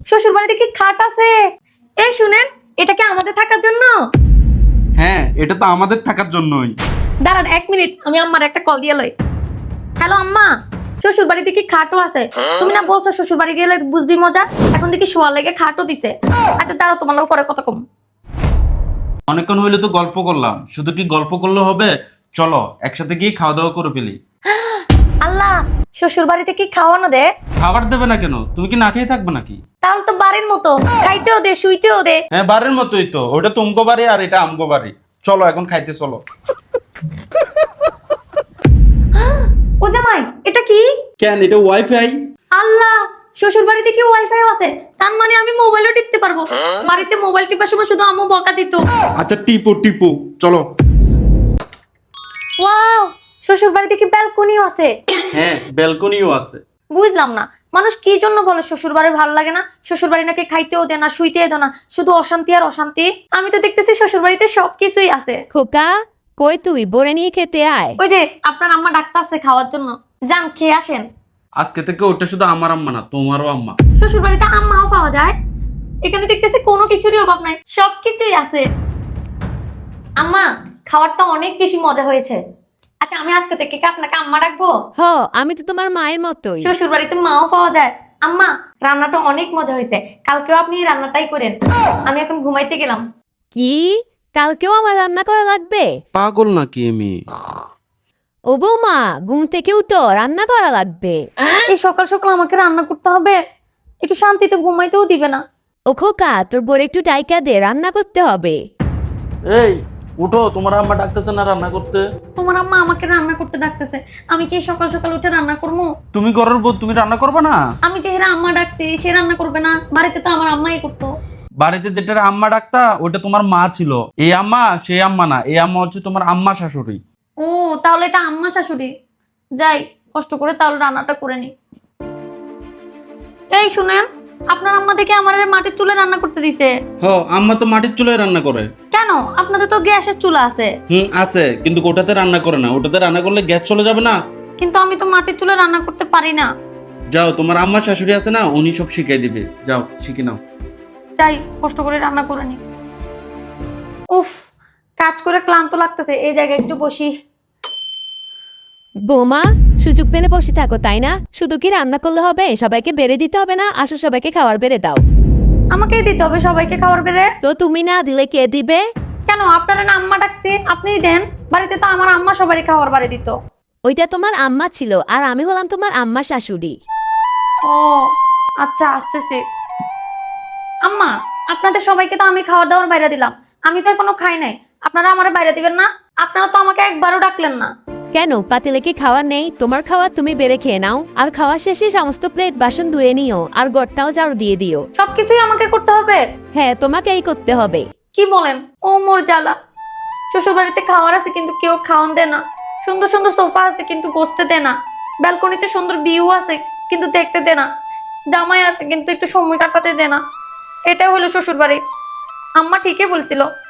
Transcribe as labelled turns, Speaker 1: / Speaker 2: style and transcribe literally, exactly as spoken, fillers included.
Speaker 1: শ্বশুর বাড়িতে কি খাট আছে? এই শুনেন, এটা কি আমাদের থাকার জন্য?
Speaker 2: হ্যাঁ, এটা তো আমাদের থাকার জন্যই।
Speaker 1: দাঁড়ান এক মিনিট, আমি আম্মার একটা কল দিয়ে লই। হ্যালো আম্মা, শ্বশুর বাড়িতে কি খাটও আছে? তুমি না বলছো শ্বশুর বাড়ি গেলে বুঝবি মজা, এখন দেখি শোয়ার লেগে খাটও দিছে। আচ্ছা দাঁড়াও, তোমার লোক পরে কথা কম।
Speaker 2: অনেকক্ষণ হইলে তো গল্প করলাম, শুধু কি গল্প করলে হবে? চলো একসাথে গিয়ে খাওয়া দাওয়া করে ফেলি।
Speaker 1: আল্লাহ, শ্বশুর বাড়িতে কি খাওয়ানো দে?
Speaker 2: খাবার দেবে না কেন? তুমি কি না খেয়ে থাকবে নাকি?
Speaker 1: তাহলে তো বাড়ির মতো, খাইতেও দে শুইতেও দে।
Speaker 2: হ্যাঁ, বাড়ির মতোই তো। ওটা তুমকো বাড়ি আর এটা আমকো বাড়ি। চলো এখন খাইতে চলো।
Speaker 1: ও জামাই, এটা কি?
Speaker 2: কেন, এটা ওয়াইফাই।
Speaker 1: আল্লাহ, শ্বশুর বাড়িতে কি ওয়াইফাই আছে? তার মানে আমি মোবাইলও টিপতে পারবো। বাড়িতে মোবাইল টিপার সময় শুধু আম্মু বকা দিত।
Speaker 2: আচ্ছা টিপো টিপো, চলো।
Speaker 1: ওয়াও, শ্বশুর বাড়িতে কি ব্যালকনিও আছে?
Speaker 2: হ্যাঁ, ব্যালকনিও আছে।
Speaker 1: বুঝলাম না, মানুষ কি জন্য বলে শ্বশুর বাড়ি ভালো লাগে না? শ্বশুর বাড়ি নাকি খাইতেও দেয় না, শুইতেও দেয় না, শুধু অশান্তি আর অশান্তি। আমি তো দেখতেছি শ্বশুর বাড়িতে সবকিছুই আছে।
Speaker 3: খোকা, কই তুই? বরে নিয়ে খেতে আয়।
Speaker 1: ওই যে আপনার আম্মা ডাক্তার আছে খাওয়ার জন্য, যান খেয়ে আসেন।
Speaker 2: আজকে থেকে ওটা শুধু আমার আম্মা না, তোমারও আম্মা।
Speaker 1: শ্বশুর বাড়িতে আম্মাও পাওয়া যায়? এখানে দেখতেছি কোনো কিছুরই অভাব নাই, সবকিছুই আছে। আম্মা, খাবারটা অনেক বেশি মজা হয়েছে। আচ্ছা আমি আজকে থেকে কি আপনাকে আম্মা ডাকবো?
Speaker 3: হ, আমি তো তোমার মায়ের মতোই।
Speaker 1: শ্বশুর বাড়িতে মাও পাওয়া যায়। আম্মা, রান্নাটা অনেক মজা হয়েছে, কালকেও আপনি এই রান্নাটাই করেন। আমি এখন ঘুমাইতে গেলাম।
Speaker 3: কি? কালকেও আমার রান্না করা লাগবে?
Speaker 2: পাগল নাকি আমি?
Speaker 3: ও বৌমা, ঘুম থেকে উঠো, রান্না করা লাগবে।
Speaker 1: এই সকাল সকাল আমাকে রান্না করতে হবে? একটু শান্তিতে ঘুমাইতেও দিবে না।
Speaker 3: ও খোকা, তোর বরে একটু ডাইকা দে, রান্না করতে হবে।
Speaker 2: এই উঠো, তোমার আম্মা ডাকতেছে না রান্না করতে?
Speaker 1: তোমার আম্মা আমাকে রান্না করতে ডাকতেছে, আমি কি সকাল সকাল উঠে রান্না করবো?
Speaker 2: তুমি ঘরের বউ, তুমি রান্না করবে না?
Speaker 1: আমি যে হেরা আম্মা ডাকছি সে রান্না করবে না? বাড়িতে তো আমার আম্মাই করতো।
Speaker 2: বাড়িতে যেটা আম্মা ডাকতা ওটা তোমার মা ছিল। এই আম্মা সেই আম্মা না, এই আম্মা হচ্ছে তোমার আম্মা শাশুড়ি।
Speaker 1: ও তাহলে এটা আম্মা শাশুড়ি। যাই, কষ্ট করে তাহলে রান্নাটা করে নি। এই শুনেন, আপনার আম্মা দেখে আমার মাটির চুলে রান্না করতে দিছে।
Speaker 2: হ, আম্মা তো মাটির চুলায় রান্না করে।
Speaker 1: কেন? আপনাদের তো গ্যাসের চুলা আছে।
Speaker 2: হুম আছে, কিন্তু ওটাতে রান্না করে না। ওটাতে রান্না করলে গ্যাস চলে যাবে না।
Speaker 1: কিন্তু আমি তো মাটির চুলে রান্না করতে পারি না।
Speaker 2: যাও, তোমার আম্মা শাশুড়ি আছে না, উনি সব শিখিয়ে দিবে। যাও শিখে নাও।
Speaker 1: যাই, কষ্ট করে রান্না করে নি। উফ, কাজ করে ক্লান্ত লাগতেছে, এই জায়গায় একটু বসি।
Speaker 3: বৌমা, সুযোগ পেলে বসে থাকো তাই না? শুধু কি রান্না করলে হবে? সবাইকে বেড়ে দিতে হবে না? আসো সবাইকে খাবার বেড়ে দাও।
Speaker 1: আমাকেই দিতে হবে সবাইকে খাবার বেড়ে?
Speaker 3: তো তুমি না দিলে কে দিবে?
Speaker 1: কেন, আপনারা না আম্মা ডাকছি, আপনিই দেন। বাড়িতে তো আমার আম্মা সবারই খাবার বাড়ি দিত।
Speaker 3: ওইটা তোমার আম্মা ছিল, আর আমি হলাম তোমার আম্মা শাশুড়ি।
Speaker 1: ও আচ্ছা, আসতেছি। আম্মা, আপনাদের সবাইকে তো আমি খাবার দাবার বাইরে দিলাম, আমি তো এখনো খাই নাই। আপনারা আমার বাইরে দিবেন না? আপনারা তো আমাকে একবারও ডাকলেন না।
Speaker 3: কেন, পাতিলে কি খাওয়া নেই? তোমার খাওয়া তুমি বেড়ে খেয়ে নাও, আর খাওয়া শেষে সমস্ত প্লেট বাসন ধুয়ে নিও, আর ঘরটাও ঝাড়ু দিয়ে দিও।
Speaker 1: সবকিছুই আমাকে করতে হবে?
Speaker 3: হ্যাঁ, তোমাকেই করতে হবে।
Speaker 1: কি বলেন? ও মোর জ্বালা, শ্বশুর বাড়িতে খাওয়ার আছে কিন্তু কেউ খাওয়ান দেয় না। সুন্দর সুন্দর সোফা আছে কিন্তু বসতে দেয় না। ব্যালকনিতে সুন্দর ভিউ আছে কিন্তু দেখতে দেয় না। জামাই আছে কিন্তু একটু সময় কাটাতে দেয় না। এটাই হলো শ্বশুর বাড়ি। আম্মা ঠিকই বলছিল,